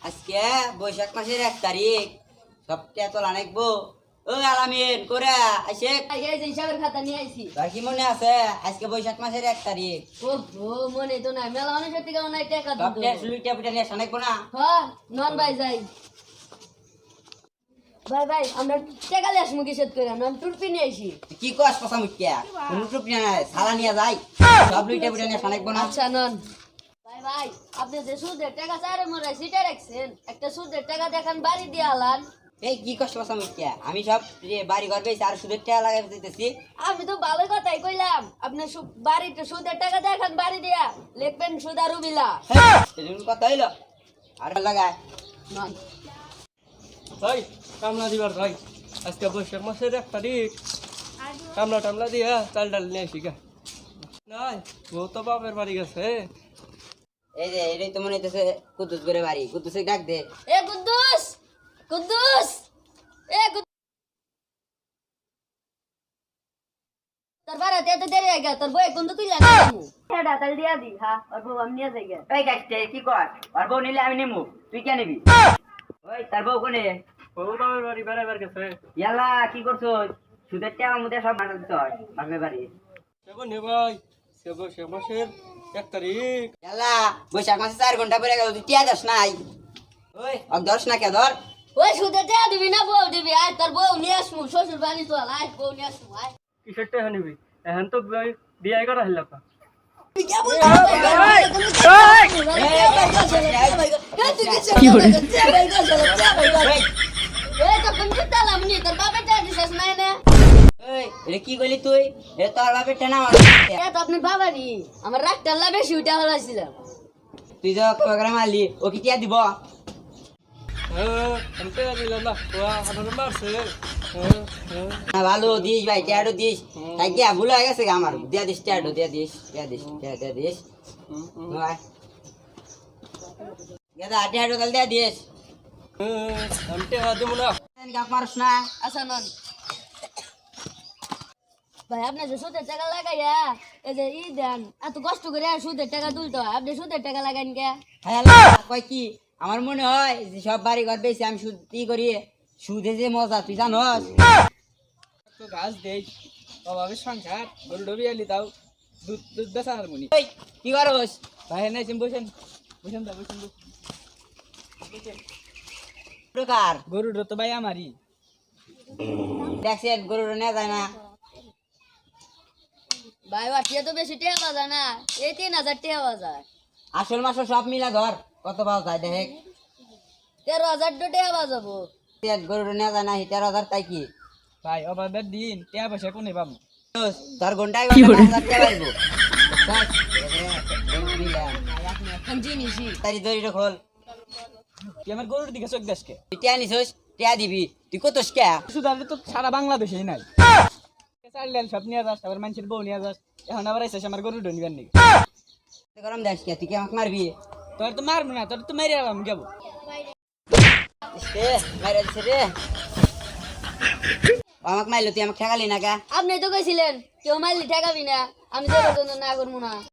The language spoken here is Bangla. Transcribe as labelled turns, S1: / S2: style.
S1: আজকে বৈশাখ মাসের 1 তারিখ সপ্তাহে তোলা নাকবো। ও আলামিন করে আসে
S2: এই যে হিসাবের খাতা নিয়ে আইছি।
S1: তোর কি মনে আছে আজকে বৈশাখ মাসের 1 তারিখ?
S2: ও মনে তো নাই, মেলা অনেক থেকে নাই টাকা দিত।
S1: সপ্তাহে সুইটা পিঠা নিয়ে আসা নাকবো না?
S2: হ্যাঁ নন ভাই যাই। ভাই আমরা টাকা লিয়ে আসবো কিসের করে, নন টুরপি নিয়ে আইছি।
S1: কি কস পসা মুখিয়া কোন টুপ নিয়ে নাই সালা নিয়ে যাই সব লুইটা পিঠা নিয়ে আসা নাকবো না?
S2: আচ্ছা নন ভাই আপনি যে সুদের টাকা চারে মরে সিটা রাখছেন, একটা সুদের টাকা দেখান বাড়ি দিয়ে আলান।
S1: এই কি কস পসা মুখিয়া আমি সব বাড়ি ঘর বেশি আর সুদের টাকা লাগাই দিতেছি।
S2: আমি তো ভালো কথাই কইলাম, আপনি বাড়িতে সুদের টাকা দেখান বাড়ি দিয়া লিখবেন সুদারু বিলা।
S1: এরকম কথা হইলো আর লাগায়
S2: নন
S3: ভাই কামলা দিবার ভাই আজকে বৈশাখ মাসের 1 তারিখ কামলা টামলা দিয়া চাল ডাল নিয়ে আসি গা। নাই ও তো বাপের বাড়ি গেছে।
S1: এই যে এটাই তো মনে হইতেছে কুদ্দুস করে বাড়ি, কুদ্দুসে ডাক দে।
S2: এ কুদ্দুস কুদ্দুস এ তোর বাড়াতে এত দেরি হয়ে গেল, তোর বই কোন তো তুই লাগা হেডা তাল দিয়া দি। হ্যাঁ আর বউ আমি নিয়ে যাই গে।
S1: এই গাছতে কি কর আর বউ নিলে আমি নিমু, তুই কে নিবি? ওই তার বউ কোনে?
S3: ও বাপের বাড়ি বেড়াইবার গেছে।
S1: ইয়ালা কি করছো? সুদের টাকা মধ্যে সব মাথা দিচ্ছ বাপের বাড়ি।
S3: সেবন হে ভাই সে বৈশাখ মাসের 1 তারিখ।
S1: ইয়ালা বৈশাখ মাসে 4 ঘন্টা পরে গেল, তুই টিয়া দাস নাই? ওই দর্শ না কে ধর।
S2: ওই সুদে টাকা দিবি না বউ দিবি? আয় তোর বউ নিয়ে আসবো, শ্বশুর বাড়ি চল, আয় বউ নিয়ে আসবো আয়।
S3: কিসের টাকা নিবি? এখন তো বিয়ে করা হইল না।
S1: কি কইলি তুই? এ তোর বাপের টেনা আমার।
S2: আপনি বাবারি আমার রাগটা বেশি উঠে হলাইছিলাম।
S1: তুই যা করে মারলি ও কি টিয়া দিব?
S3: আমি টাকা দিলাম না, ও আমার মারছে।
S1: না ভালো দিস ভাই, টিয়াটো দিস। তাই কি ভুল হয়ে গেছে আমার, দিয়া দিস টিয়াটো, দিয়া দিস দিয়া দিস। গেদা টিয়াটো কাল দিয়া দিস।
S3: আমি টাকা দেবো না।
S1: কাপ মারস না।
S2: আচ্ছা নন ভাই আপনি যে সুদের টাকা লাগাইয়া এই যে দেন, এত কষ্ট করে সুদের টাকা তুলতে হয়, আপনি সুদের টাকা লাগাইন কে?
S1: হ্যাঁ কয় কি আমার মনে হয় যে সব বাড়ি ঘর বেশি আমি সুদ কি করি, সুদে যে মজা তুই জানস।
S3: তো গাছ দেই অভাবে সংসার গরু ডবি আলি দাও দুধ দুধ বেচা হারমোনি।
S1: ওই কি করস?
S3: ভাই নাই বসেন বসেন দা বসেন।
S1: প্রকার
S3: গরুটা তো ভাই আমারই।
S1: দেখছেন গরুর নেওয়া যায় না।
S2: ভাই বাটিয়া তো বেশি টাকা পাওয়া যায় না, এই 3000 টাকা পাওয়া যায়।
S1: আসল মাসল সব মিলা ধর কত পাওয়া যায় দেখ।
S2: 13,000 টাকা পাওয়া যাবো।
S1: গরুর নেওয়া যায় না 13,000, তাই কি
S3: ভাই অভাবের দিন টাকা পয়সা কোনে পাবো?
S1: তোর ঘন্টায় 5,000 টাকা পারবো।
S2: এখন জিনিসই
S1: তারি দড়িটা খোল।
S3: তুই আমার গরুর দিকে চোখ দেশকে
S1: তুই টিয়া নিছিস, টিয়া দিবি, তুই কতস কে?
S3: শুধু তো সারা বাংলাদেশেই নাই। চাল ডাল সব নিয়ে যাস, আবার মানুষের বউ নিয়ে যাস, এখন আবার আইসা আমার গরু নিবার নাকি?
S1: গরম দেশ কে? তুই কি আমাকে মারবি?
S3: তোর তো মারবো না, তোর তো মেরে আলাম যাবো।
S1: মাইরা দিছে রে। আমাকে মারলো, তুই আমাকে ঠেকালি না কা?
S2: আপনি তো কইছিলেন কেউ মারলি ঠেকাবি না, আমি তো না করবো না।